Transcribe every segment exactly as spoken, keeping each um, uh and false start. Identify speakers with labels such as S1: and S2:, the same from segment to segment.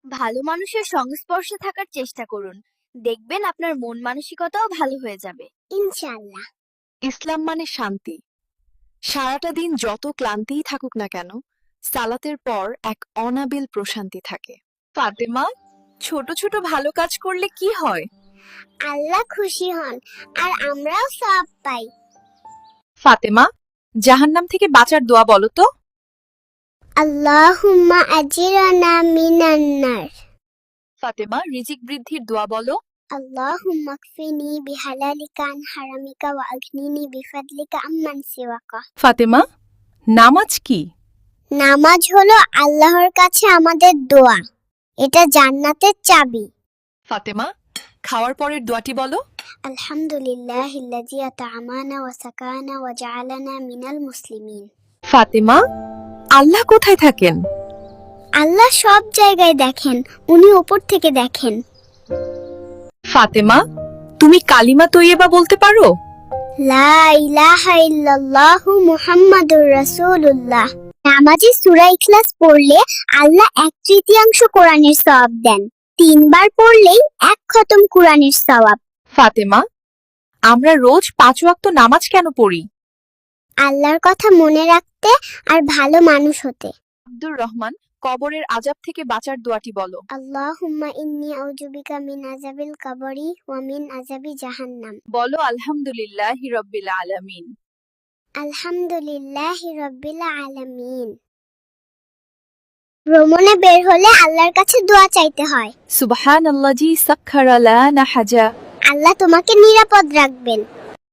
S1: ভালো মানুষের সংস্পর্শে থাকার চেষ্টা করুন। দেখবেন আপনার মন মানসিকতাও ভালো হয়ে যাবে ইনশাআল্লাহ।
S2: ইসলাম মানে শান্তি। সারাটা দিন যত ক্লান্তিই থাকুক না কেন, সালাতের পর এক অনাবিল প্রশান্তি থাকে। ফাতেমা, ছোট ছোট ভালো কাজ করলে কি হয়?
S1: আল্লাহ খুশি হন আর আমরাও সওয়াব পাই।
S2: ফাতেমা, জাহান্নাম থেকে বাঁচার দোয়া বলো তো।
S1: আল্লাহুম্মা আজিরানা মিনান নার।
S2: ফাতেমা, রিজিক বৃদ্ধির দোয়া বলো।
S1: আল্লাহুম্মা কফিনি বিহালালিকা আন হারামিকা ওয়া আগনিনি বিফাদলিকা আম্মান সিওয়াকা।
S2: ফাতেমা, নামাজ কি?
S1: নামাজ হলো আল্লাহর কাছে আমাদের দোয়া। এটা জান্নাতের চাবি।
S2: ফাতেমা, খাওয়ার পরের দোয়াটি বলো।
S1: আলহামদুলিল্লাহিল্লাযী আত'আমানা ওয়া সাকানা ওয়া জাআলানা মিনাল মুসলিমিন।
S2: ফাতেমা, আল্লাহ কোথায় থাকেন?
S1: আল্লাহ সব জায়গায় দেখেন, উনি উপর থেকে দেখেন।
S2: ফাতেমা, তুমি কালিমা তৈয়বা বলতে পারো?
S1: লা ইলাহা ইল্লাল্লাহু মুহাম্মাদুর রাসূলুল্লাহ। নামাজে সূরা ইখলাস পড়লে আল্লাহ এক তৃতীয়াংশ কোরআনের সওয়াব দেন। তিনবার পড়লেই এক খতম কোরআনের সওয়াব।
S2: ফাতেমা, আমরা রোজ পাঁচ ওয়াক্ত নামাজ কেন পড়ি?
S1: আল্লাহর কথা মনে রাখতে আর ভালো মানুষ হতে।
S2: আব্দুর রহমান, কবরের আযাব থেকে বাঁচার দোয়াটি বলো।
S1: আল্লাহুম্মা ইন্নী আউযু বিকা মিন আযাবিল কবরি ওয়া মিন আযাবি জাহান্নাম।
S2: বলো আলহামদুলিল্লাহি রাব্বিল আলামিন।
S1: আলহামদুলিল্লাহি রাব্বিল আলামিন। ভ্রমণে বের হলে আল্লাহর কাছে দোয়া চাইতে হয়।
S2: সুবহানাল্লাযী সাখখারা লানা হাজা।
S1: আল্লাহ তোমাকে নিরাপদ রাখবেন।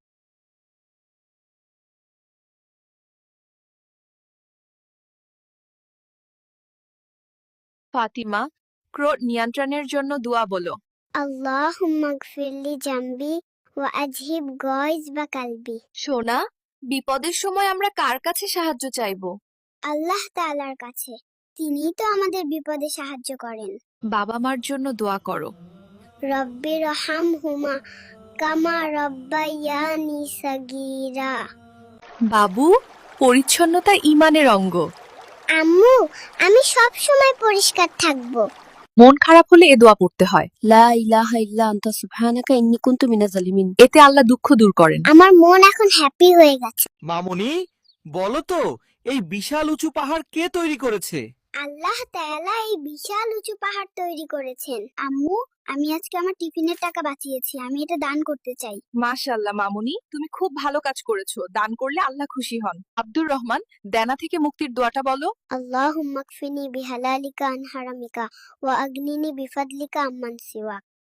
S2: ফাতিমা, ক্রোধ নিয়ন্ত্রণের জন্য দোয়া বলো।
S1: আল্লাহুম্মা গফিরলি জামবি ওয়া আযহিব গায়জ বা কালবি।
S2: সোনা, বিপদের সময় আমরা কার কাছে সাহায্য চাইবো?
S1: আল্লাহ তাআলার কাছে। তিনিই তো আমাদের বিপদে সাহায্য করেন।
S2: বাবা মার জন্য দোয়া করো।
S1: রব্বি রহামহুমা কামা রব্বায়ানি সাগীরা।
S2: বাবু, পরিচ্ছন্নতা ঈমানের অঙ্গ।
S1: আম্মু, আমি সব সময় পরিষ্কার থাকবো।
S2: মন খারাপ হলে এ দোয়া পড়তে হয়।
S3: লা ইলাহা ইল্লা আনতা সুবহানাকা ইন্নী কুনতু মিনাজ জালিমিন।
S2: এতে আল্লাহ দুঃখ দূর করেন।
S1: আমার মন এখন হ্যাপি হয়ে গেছে।
S4: মামুনি, বলো তো এই বিশাল উঁচু পাহাড় কে তৈরি করেছে?
S1: আল্লাহ তাআলা এই বিশাল উঁচু পাহাড় তৈরি করেছেন। আম্মু, আমি আজকে আমার টিফিনের টাকা বাঁচিয়েছি, আমি এটা দান করতে চাই।
S2: মাশাআল্লাহ মামুনি, তুমি খুব ভালো কাজ করেছো। দান করলে আল্লাহ খুশি হন। আব্দুর রহমান, দেনা থেকে মুক্তির দোয়াটা বলো।
S1: আল্লাহুম্মা কফিনি বিহালালিকা আন হারামিকা ওয়া আগনিনি বিফাদলিকা আম্মান সিওয়াক।